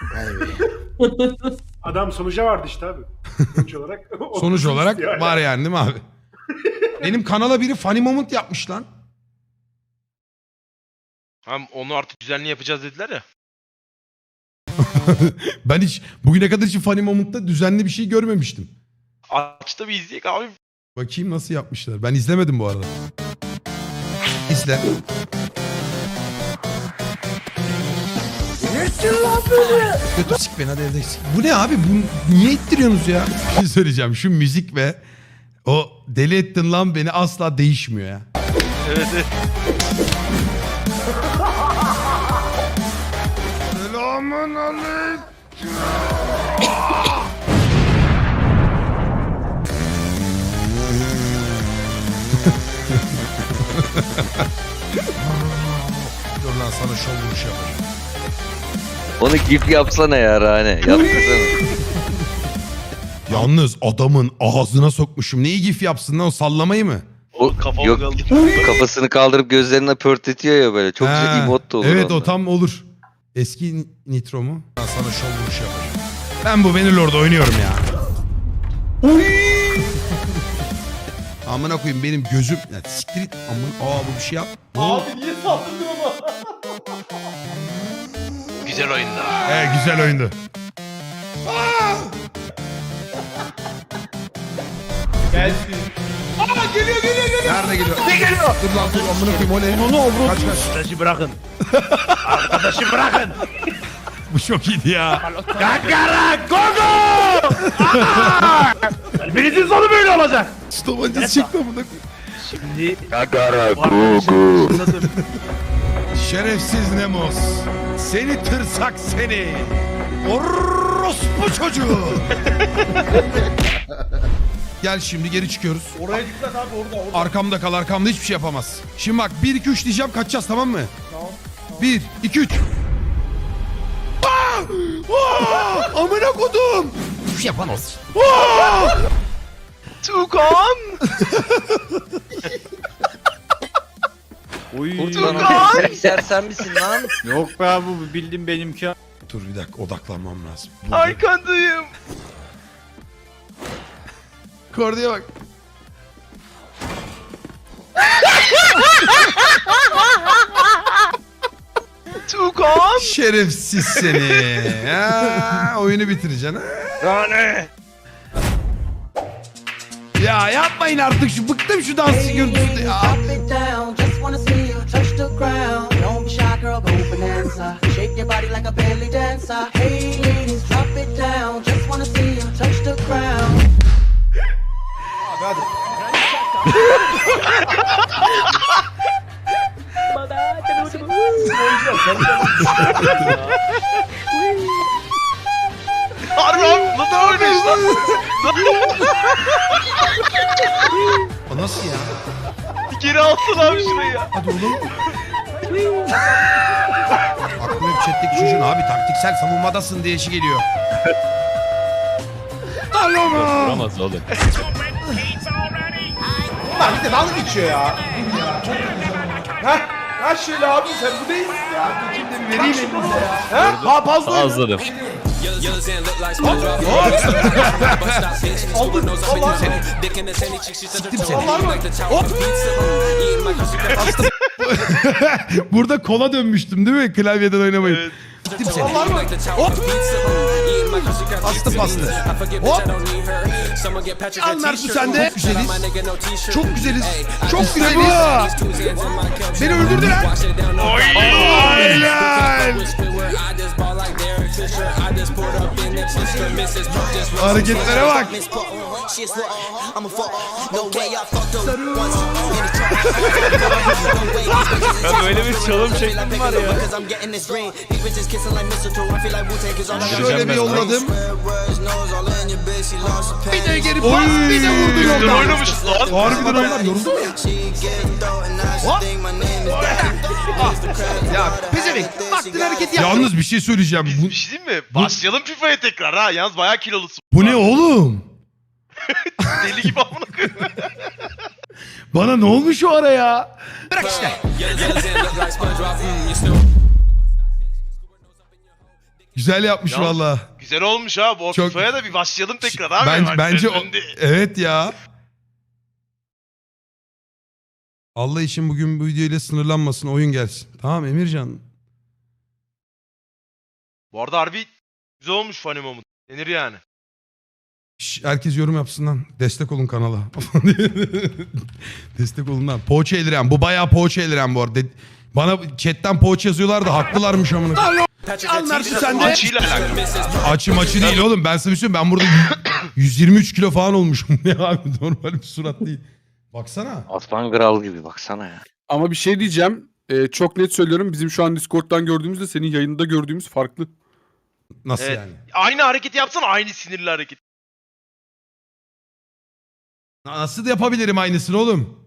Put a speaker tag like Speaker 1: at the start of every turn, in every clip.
Speaker 1: Adam sonuca vardı işte abi. Sonuç olarak.
Speaker 2: Sonuç olarak
Speaker 1: Yani.
Speaker 2: var yani değil mi abi? Benim kanala biri funny moment yapmış lan.
Speaker 3: Hem onu artık düzenli yapacağız dediler ya.
Speaker 2: Ben hiç bugüne kadar hiç funny moment'ta düzenli bir şey görmemiştim.
Speaker 3: Aç da bir izleyek abi.
Speaker 2: Bakayım nasıl yapmışlar. Ben izlemedim bu arada. İzle. Götür sik beni hadi evde sik. Bu ne abi? Bu niye ittiriyorsunuz ya? Bir şey söyleyeceğim. Şu müzik ve o deli ettin lan beni asla değişmiyor ya.
Speaker 3: Evet evet.
Speaker 2: Selamun aleyküm. Dur lan sana şov vuruş yapacağım.
Speaker 4: Onu gif yapsana ya Rane. Yapsana.
Speaker 2: Yalnız adamın ağzına sokmuşum. Neyi gif yapsın lan o sallamayı mı?
Speaker 4: O,
Speaker 3: Kafamı
Speaker 4: yok
Speaker 3: kaldırdım.
Speaker 4: kafasını kaldırıp gözlerine pörtletiyor ya böyle. Çok güzel
Speaker 2: Ha,
Speaker 4: emot da olur
Speaker 2: evet
Speaker 4: ondan.
Speaker 2: o tam olur. Eski Nitro mu? Ben sana şov vuruş yapacağım. Ben bu Bannerlord'da oynuyorum ya. Amına koyayım benim gözüm. Ya, siktir it. Amına. Bu bir şey yap.
Speaker 5: Abi niye saldırdın ona?
Speaker 3: Güzel oyunda.
Speaker 2: Güzel oyundu.
Speaker 5: Gelsin.
Speaker 2: Nerede geliyor? Ne geliyor? Dur lan dur amına koyayım o ne?
Speaker 5: Onu avrat.
Speaker 2: Kaç kaç.
Speaker 3: Arkadaşı bırakın. Arkadaşı bırakın.
Speaker 2: Bu çok iyiydi ya.
Speaker 3: Kakara Gogo! Kalbinizin sonu böyle olacak.
Speaker 2: Stomancısı çıktı amına koyayım.
Speaker 3: Şimdi
Speaker 4: Kakara
Speaker 3: bu arkadaşı ışınladım.
Speaker 2: Şerefsiz Nemos. Seni tırsak seni. Orospu çocuğu. Gel şimdi geri çıkıyoruz.
Speaker 5: Oraya dikkat abi orada.
Speaker 2: Arkamda kal arkamda hiçbir şey yapamaz. Şimdi bak 1 2 3 diyeceğim kaçacağız tamam mı?
Speaker 5: Tamam.
Speaker 2: 1 2 3. Amına kodum. Hiçbir şey yapamaz.
Speaker 3: Tukan!
Speaker 4: Tukan! Sen misin lan?
Speaker 6: Yok be abi bu bildim benimki.
Speaker 2: Dur bir dakika odaklanmam lazım.
Speaker 3: Arkandayım.
Speaker 2: Kordiye bak.
Speaker 3: Tukan!
Speaker 2: Şerefsiz seni. Oyunu bitireceksin. Ha?
Speaker 3: Rane!
Speaker 2: Ya yapmayın artık şu bıktım şu dans görüntüsünde ya.
Speaker 7: Drop it down, just wanna see you touch the ground. Don't be shy, girl, go bonanza. Shake your body like a belly dancer. Hey, ladies, drop it down, just wanna see you touch the ground.
Speaker 3: Harbi abi nasıl oynuyorsun lan?
Speaker 2: O nasıl ya?
Speaker 3: Geri alsın abi şurayı.
Speaker 2: Hadi oğlum. Aklıma hep chatteki çocuğun abi taktiksel savunmadasın diye işi geliyor.
Speaker 6: Vuramaz oğlum.
Speaker 5: Lan bir de dalga geçiyor ya. Heh. Ha şöyle abi sen bu değilsin ya. Şimdi bir vereyim elinize ya. Ha? Ha fazla.
Speaker 6: Azladım.
Speaker 5: Aldın. Allah seni.
Speaker 2: Siktim seni.
Speaker 5: Allah mı? Hop.
Speaker 2: Burada kola dönmüştüm değil mi? Klavyeden oynamayıp.
Speaker 3: Evet.
Speaker 2: Siktim seni.
Speaker 5: Allah mı? Hop.
Speaker 2: Bastı bastı. Hop. Al Mert bu sende. Çok güzeliz. Çok güzeliz. Çok güzeliz. Beni öldürdüler. Aynen. Hareketlere bak.
Speaker 6: Ya böyle bir çalım şeklim var ya.
Speaker 2: Şöyle bir yolladım. Bir de geri pas. Bir de vurdu
Speaker 3: Üstüne
Speaker 2: yoldan.
Speaker 3: oynamışız lan.
Speaker 2: Harbiden onlar yoruldu mu ya? Ya pezevenk. Baktın hareket yaptın. Yalnız bir şey söyleyeceğim.
Speaker 3: Biz bir şey diyeyim mi? Başlayalım FIFA'ya tekrar ha. Yalnız bayağı kilolusun.
Speaker 2: Bu ne oğlum?
Speaker 3: Deli gibi amına koyayım.
Speaker 2: Bana ne olmuş o ara ya? Bırak işte. Güzel yapmış
Speaker 3: Yalnız-
Speaker 2: valla.
Speaker 3: Güzel olmuş abi. O
Speaker 2: Çok-
Speaker 3: FIFA'ya da bir başlayalım tekrar abi.
Speaker 2: Bence
Speaker 3: Bak,
Speaker 2: evet ya. Allah için bugün bu videoyla sınırlanmasın, oyun gelsin. Tamam Emircan.
Speaker 3: Bu arada harbi güzel olmuş Funny Moment. Denir yani.
Speaker 2: Herkes yorum yapsın lan. Destek olun kanala. Destek olun lan. Poğaça Eliren. Bu bayağı Poğaça Eliren bu arada. Bana chatten poğaça yazıyorlar da haklılarmış amına.
Speaker 5: Anlarsın sen de.
Speaker 3: Açıyla alakalı.
Speaker 2: Maçı değil oğlum. Ben sana bir şey söyleyeyim. Ben burada 123 kilo falan olmuşum. Ne abi, normal bir surat değil. Baksana.
Speaker 4: Aslan kral gibi baksana ya.
Speaker 8: Ama bir şey diyeceğim. Çok net söylüyorum. Bizim şu an Discord'dan gördüğümüzle senin yayında gördüğümüz farklı.
Speaker 2: Nasıl
Speaker 3: Evet.
Speaker 2: yani?
Speaker 3: Aynı hareketi yapsana, aynı sinirli hareket.
Speaker 2: Nasıl da yapabilirim aynısını oğlum?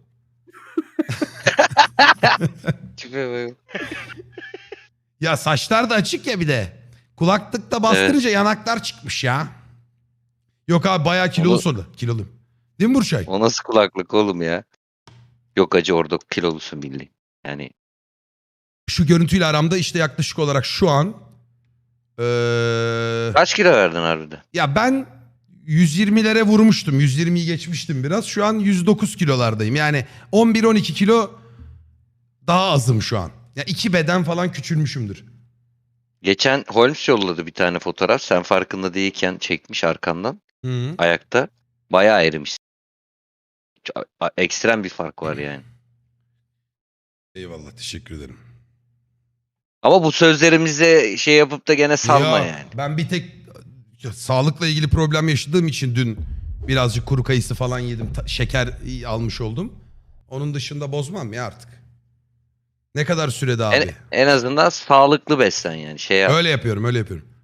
Speaker 4: Tipe bak.
Speaker 2: Ya saçlar da açık ya bir de. Kulaklıkta bastırınca yanaklar çıkmış ya. Yok abi bayağı kilolu
Speaker 4: Onu-
Speaker 2: soru. Kilolu. Değil mi Burçay?
Speaker 4: O nasıl kulaklık oğlum ya? Yok acı orada kilolusun bildiğin. Yani
Speaker 2: Şu görüntüyle aramda işte yaklaşık olarak şu an
Speaker 4: kaç kilo verdin harbiden?
Speaker 2: ya ben 120'lere vurmuştum. 120'yi geçmiştim biraz. Şu an 109 kilolardayım. Yani 11-12 kilo daha azım şu an. Ya 2 beden falan küçülmüşümdür.
Speaker 4: Geçen Holmes yolladı bir tane fotoğraf. Sen farkında değilken çekmiş arkandan.
Speaker 2: Hı.
Speaker 4: Ayakta. Bayağı erimiş. Ekstrem bir fark var yani.
Speaker 2: Eyvallah, teşekkür ederim.
Speaker 4: Ama bu sözlerimize şey yapıp da gene salma
Speaker 2: Ya,
Speaker 4: yani.
Speaker 2: ben bir tek sağlıkla ilgili problem yaşadığım için dün birazcık kuru kayısı falan yedim. Şeker almış oldum. Onun dışında bozmam ya artık. Ne kadar sürede abi?
Speaker 4: En azından sağlıklı beslen yani. Şey yap.
Speaker 2: Öyle yapıyorum, öyle yapıyorum.